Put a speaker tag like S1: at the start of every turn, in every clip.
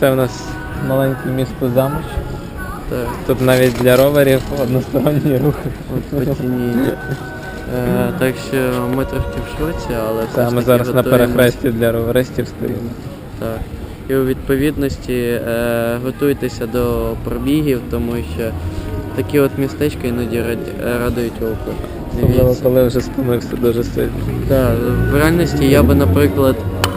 S1: Це у нас маленьке місто Замоч.
S2: Так.
S1: Тут навіть для роверів односторонній рух.
S2: От по ціні. Так що ми трошки в шоці, але все ж
S1: Ми
S2: таки
S1: зараз на
S2: готуємось.
S1: перехресті для роверистів стоїмо.
S2: Так. І у відповідності готуйтеся до пробігів, тому що такі от містечка іноді радують око.
S1: Особливо, коли вже стомився дуже сильно.
S2: Так, в реальності я би, наприклад,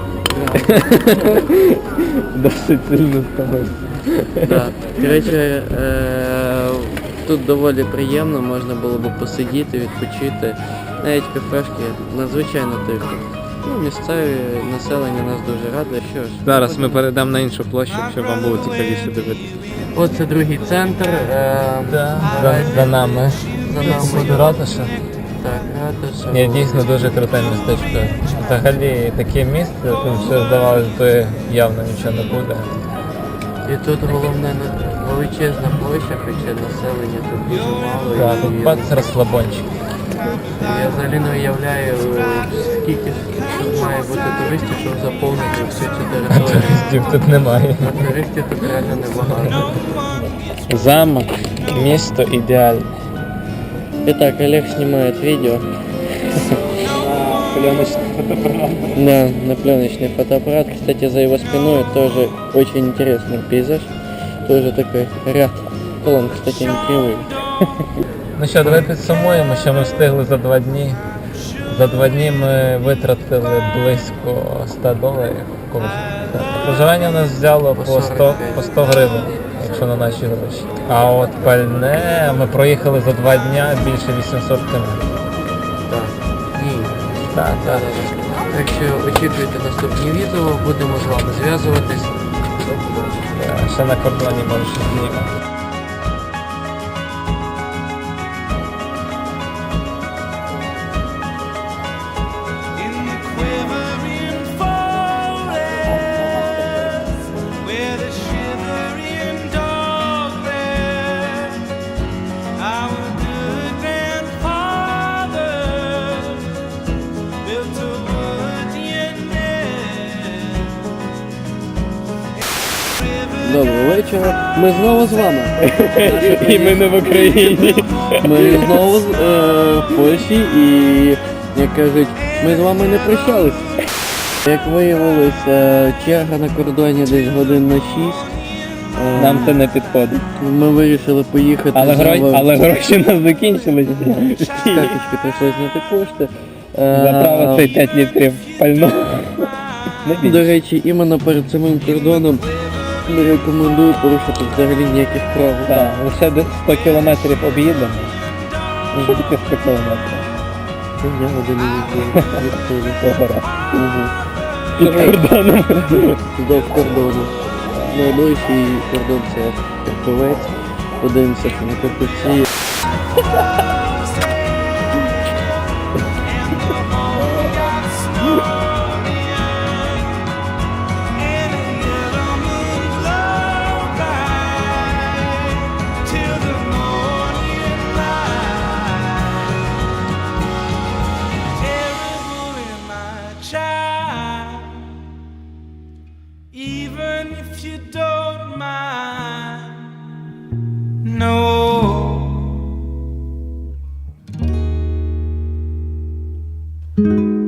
S1: Досить сильно стомився.
S2: так. Коротше, тут доволі приємно, можна було б посидіти, відпочити. Навіть кафешки надзвичайно тихо. Ну, місцеві населення нас дуже радує. Що ж,
S1: Зараз ми перейдемо на іншу площу, щоб вам було цікавіше дивитися.
S2: Оце другий центр.
S1: За нами.
S2: За нами.
S1: Буде ратуша.
S2: Так, ратуша.
S1: Ні, дійсно дуже круте містечко. Взагалі таке місце, тут все здавалося, то явно нічого не буде.
S2: І тут головне величезна площа, хоча населення тут дуже мало.
S1: Так,
S2: І
S1: тут бац розслабончик.
S2: я взагалі не уявляю, скільки тут має бути туристів, щоб заповнити всю цю територію.
S1: Туристів тут немає.
S2: А туристів тут реально небагато.
S1: Замок, місто ідеальне.
S2: Итак, Олег снимает видео.
S1: Пленочний фотоапарат.
S2: Да, на пленочный фотоаппарат. Кстати, за его спиной тоже очень интересный пейзаж. Тоже такой ряд колонн, кстати, не кривые.
S1: Ну що, давай підсумуємо, що ми встигли за 2 дні. За 2 дні ми витратили близько $100 коштів. Проживання у нас взяло по 100 гривень, якщо на наші гроші. А от пальне ми проїхали за 2 дня більше 800 км.
S2: Так. Ні.
S1: Так.
S2: Так що очікуйте наступні відео, будемо з вами зв'язуватись.
S1: Ще на кордоні може щось знімати.
S2: Доброго вечора. Ми знову з вами.
S1: І ми не в Україні.
S2: Ми знову в Польщі і, як кажуть, ми з вами не прощались. Як виявилось, черга на кордоні десь годин на 6.
S1: Нам це не підходить.
S2: Ми вирішили поїхати.
S1: Але гроші у нас закінчились.
S2: Карточки прийшлось знати кошти.
S1: Заправити 5 літрів пального.
S2: До речі, іменно перед самим кордоном не рекомендую порушити взагалі ніяких правил.
S1: Так, лише десь 100 кілометрів об'їдемо. Тільки 100 кілометрів.
S2: Це я годину відповідаю.
S1: Погора. Під кордоном.
S2: До кордону. Найближчий кордон це Карпівець. Подивимося, що на Карпівці.
S3: Even if you don't mind, no.